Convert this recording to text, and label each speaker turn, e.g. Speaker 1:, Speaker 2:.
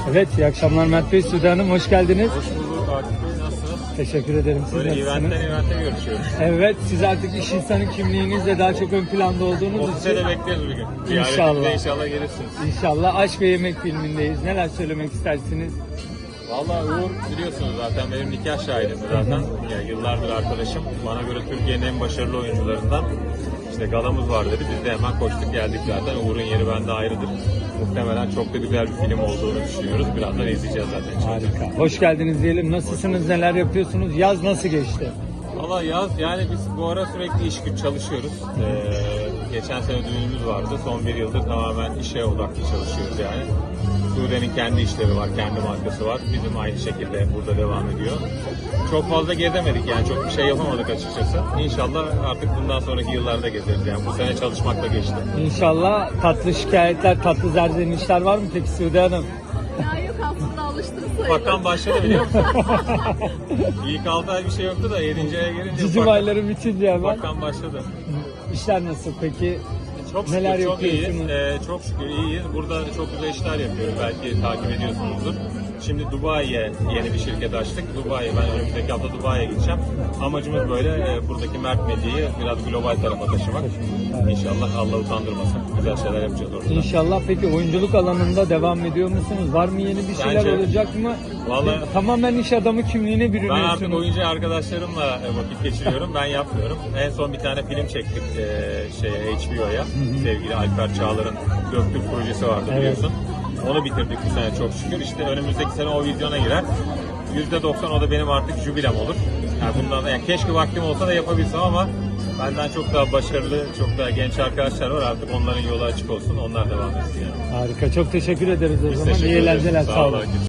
Speaker 1: Evet, iyi akşamlar Mert Bey, Sude Hanım, hoş geldiniz.
Speaker 2: Hoş bulduk Akif Bey, nasılsınız?
Speaker 1: Teşekkür ederim, siz
Speaker 2: Böyle
Speaker 1: nasılsınız?
Speaker 2: eventten görüşüyoruz.
Speaker 1: Evet, siz artık iş insanı kimliğinizle daha çok ön planda olduğunuz
Speaker 2: Ofise
Speaker 1: için
Speaker 2: de bekleriz bir gün.
Speaker 1: İnşallah.
Speaker 2: Ziyaretimize inşallah gelirsiniz.
Speaker 1: İnşallah Aşk ve Yemek filmindeyiz. Neler söylemek istersiniz?
Speaker 2: Vallahi Uğur biliyorsunuz zaten benim nikah şahidim zaten. Ya, yıllardır arkadaşım. Bana göre Türkiye'nin en başarılı oyuncularından. İşte galamız var dedi. Biz de hemen koştuk geldik zaten. Uğur'un yeri bende ayrıdır. Muhtemelen çok da güzel bir film olduğunu düşünüyoruz. Birazdan izleyeceğiz zaten.
Speaker 1: Harika. Hoş geldiniz diyelim. Nasılsınız, neler yapıyorsunuz? Yaz nasıl geçti?
Speaker 2: Valla yaz yani biz bu ara sürekli iş güç çalışıyoruz. Geçen sene düğünümüz vardı. Son bir yıldır tamamen işe odaklı çalışıyoruz yani. Sude'nin kendi işleri var, kendi markası var. Bizim aynı şekilde burada devam ediyor. Çok fazla gezemedik yani çok bir şey yapamadık açıkçası. İnşallah artık bundan sonraki yıllarda gezeriz yani. Bu sene çalışmakla geçti.
Speaker 1: İnşallah tatlı şikayetler, tatlı zerzenişler var mı peki Sude Hanım?
Speaker 3: Ya yok aslında alıştım sayılır.
Speaker 2: Bakan başladı biliyor musun? İlk 6 ay bir şey yoktu da 7. aya gelince
Speaker 1: Cicim ayları bitince hemen.
Speaker 2: bakan başladı.
Speaker 1: İşler nasıl peki?
Speaker 2: Çok şükür
Speaker 1: Neler
Speaker 2: çok iyiyiz.
Speaker 1: yapıyorsunuz?
Speaker 2: Çok şükür iyiyiz. Burada çok güzel işler yapıyoruz. Belki takip ediyorsunuzdur. Şimdi Dubai'ye yeni bir şirket açtık. Ben önümüzdeki hafta Dubai'ye gideceğim. Amacımız böyle buradaki Mert Medya'yı biraz global tarafa taşımak. İnşallah Allah utandırmasın. Güzel şeyler yapacağız orada.
Speaker 1: İnşallah. Peki oyunculuk alanında devam ediyor musunuz? Var mı yeni bir şeyler
Speaker 2: Bence-
Speaker 1: olacak mı?
Speaker 2: Vallahi-
Speaker 1: Tamamen iş adamı kimliğine
Speaker 2: Ben
Speaker 1: bürünüyorsunuz.
Speaker 2: artık oyuncu arkadaşlarımla vakit geçiriyorum. Ben yapmıyorum. En son bir tane film çektik HBO'ya. Sevgili Alper Çağlar'ın Döktür projesi vardı biliyorsun. Onu bitirdik bu sene çok şükür. İşte önümüzdeki sene o vizyona girer. %90 o da benim artık jübilem olur. Yani bundan da yani keşke vaktim olsa da yapabilsem ama benden çok daha başarılı, çok daha genç arkadaşlar var. Artık onların yolu açık olsun. Onlar devam etsin yani.
Speaker 1: Harika. Çok teşekkür ederiz o
Speaker 2: Biz
Speaker 1: zaman.
Speaker 2: teşekkür
Speaker 1: İyi
Speaker 2: ederiz.
Speaker 1: eğlenceler. Sağ olun.
Speaker 2: Akif.